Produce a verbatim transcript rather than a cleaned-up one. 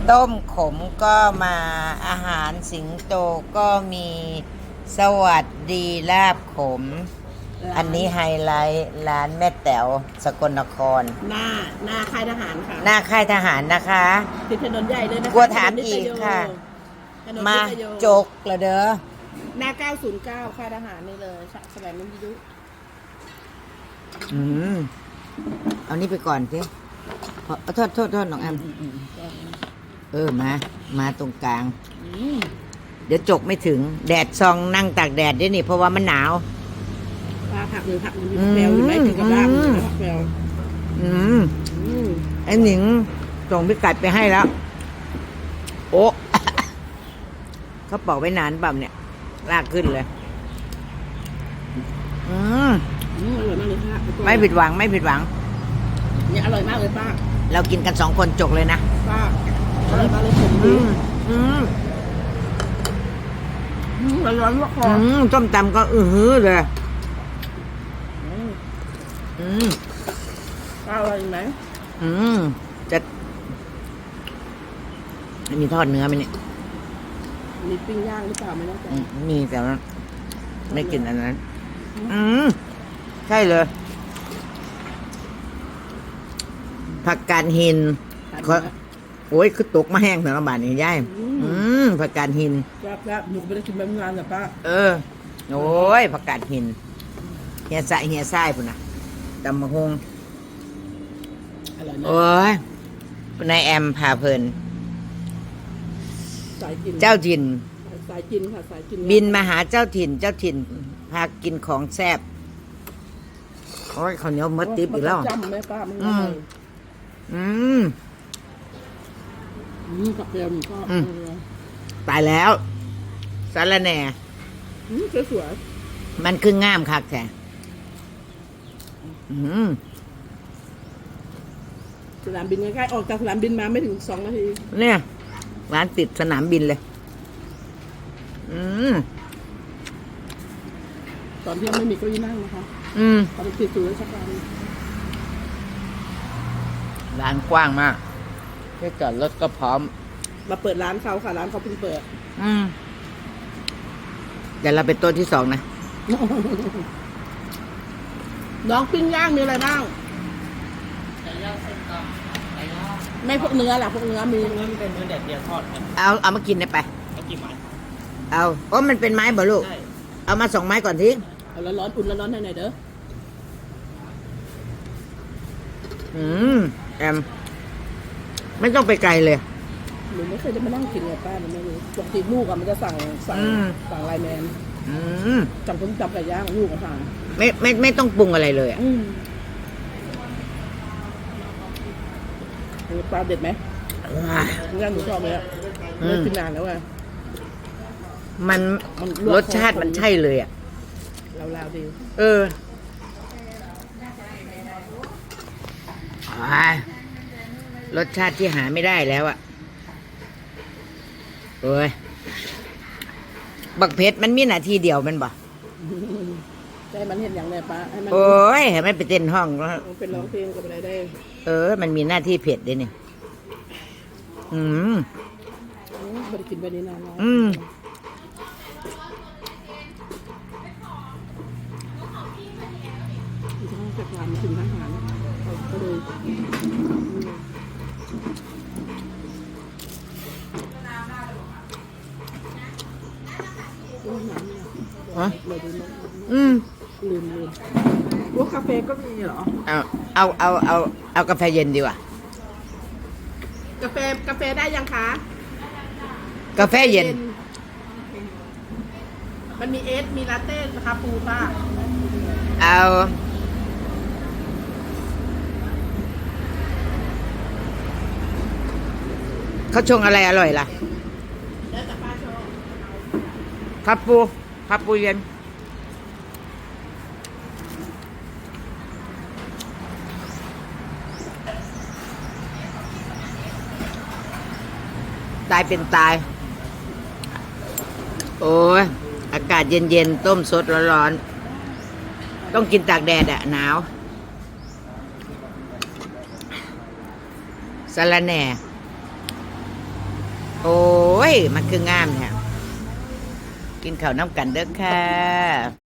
ต้มขมก็มาอาหารสิงโตก็มีสวัสดีลาบขม อันนี้ไฮไลท์ร้านแม่แต๋วสกลนครหน้าหน้าค่ายทหารค่ะหน้าค่ายทหารนะคะติดถนนใหญ่เลยนะคะกลัวถามอีกค่ะถนนมานิตโยจกละเด้อหน้าเก้าศูนย์เก้าค่ายทหารนี่เลยสมัยมิยุอืมเอานี่ไปก่อนสิขอโทษโทษโทษน้องแอมเออมา มาตรงกลางอืมเดี๋ยวจกไม่ถึง แดดซองนั่งตากแดดด้วยนี่ เพราะว่ามันหนาวปลาผักหรือผักมันมีแปลวอยู่ไหมถึงกับล่างผักแปลวอืมอืมไอ้หนิงส่งพิกัดไปให้แล้ว โอ้ เขาปอกไว้นานเปล่าเนี่ย ลากขึ้นเลย อืมอืมอร่อยมากเลยค่ะไม่ผิดหวังไม่ผิดหวังเนี่ยอร่อยมากเลยป้าเรากินกันสองคนจกเลยนะป้าอร่อยมากเลยผมอืดีม อืมอืมร้อนๆมากคออืมส้มตำก็อือหือเลยอืมอืมป้าอร่อยไหมอืม จะมีทอดเนื้อไหมเนี่ยมีปิ้งย่างหรือเปล่าไม่แน่ใจอืมมีแต่ว่าไม่กินอันนั้น อืม ใช่เลย ผักกาดหินทานเขาเนื้อโอ้ยคือตกมาแห้งสารบาทนี่ย่ายอืมอืมผักกาดหินแซ่บๆหนูก็ไม่ได้กินแบบนานแต่ป้าเออ โอ้ยผักกาดหินเฮียใส่เฮียไส้พุ่นนะตำมะฮงอร่อยนะโอ้ยนายแอมพาเพลินสายกินเจ้าถิ่นสายกินค่ะสายกินบินมาหาเจ้าถิ่น เจ้าถิ่น พากินของแซ่บโอ้ยข้าวเหนียวมดติบอีกแล้วมันจะจำไหมป้ามันอือมร่อยอืมอืมกับเทียมก็อืม ตายแล้วสารแหน่อืมสวยมันคืองามคักแท้อืมๆสนามบินใกล้ๆออกจากสนามบินมาไม่ถึงสองนาทีเนี่ย ร้านติดสนามบินเลย อืมตอนเที่ยงไม่มีเก้าอี้นั่งนะคะอืมตอนติดสู่ราชการร้านกว้างมากที่จอดรถก็พร้อมมาเปิดร้านเขาค่ะร้านเขาเพิ่งเปิดอืม เดี๋ยวเราไปโต๊ะที่สองนะน้องปิ้งย่างมีอะไรบ้างไม่พวกเนื้อล่ะพวกเนื้อมีเนื้อมันเป็นเนื้อแดดเดียวทอดครับเอา เอามากินได้ไปเอากี่ไม้เอาโอ้มันเป็นไม้บ่ลูกใช่เอามาสองไม้ก่อนทีเอาร้อนๆอุ่นร้อนๆให้หน่อยเด้ออืม แอม ไม่ต้องไปไกลเลยหนูไม่เคยได้มานั่งกินเลยป้าหนูไม่รู้ปกติลูกอะมันจะสั่งสั่งอืมสั่งไลน์แมนอืมจำต้มจำไก่ย่างลูกอะสั่งไม่ไม่ไม่ต้องปรุงอะไรเลยอ่ะอืมอันนี้ปลาเด็ดไหมเนื้อหนูชอบเลยอะอืมไม่กินนานแล้วอะมันมันลวกรสชาติมันใช่เลยอ่ะลาวๆดีเอออ่ารสชาติที่หาไม่ได้แล้วอะโอ้ย บักเพชรมันมีหน้าที่เดียวแมันบ่แต่มันเห็นอย่างไรป้าให้มันโอ้ยให้มันไปเต้นห้องแล้วมันเป็นร้องเพลงกับอะไรได้เออ มันมีหน้าที่เผ็ดด้วยนี่อืมอืมไม่ได้กินไปนี้นานแล้วอืมอีกทั้งจากร้านมาถึงทหารเขาก็เลยอืม อืมฮะเลยดูนะอืมลืมลืมพวกกาแฟก็มีเหรอเอาเอาเอาเอาเอากาแฟเย็นดีกว่ากาแฟกาแฟได้ยังคะกาแฟเย็นมันมีเอส มีลาเต้คาปูป้าเอา เขาชงอะไรอร่อยล่ะแล้วแต่ป้าชอบครับปูครับปูเย็น ตายเป็นตาย โอ้ย อากาศเย็นๆ ต้มสดร้อนๆ ต้องกินตากแดดอะหนาวสะระแหน่โอ้ย มันคืองามเนี่ยกินข้าวน้ำกันเด้อค่ะ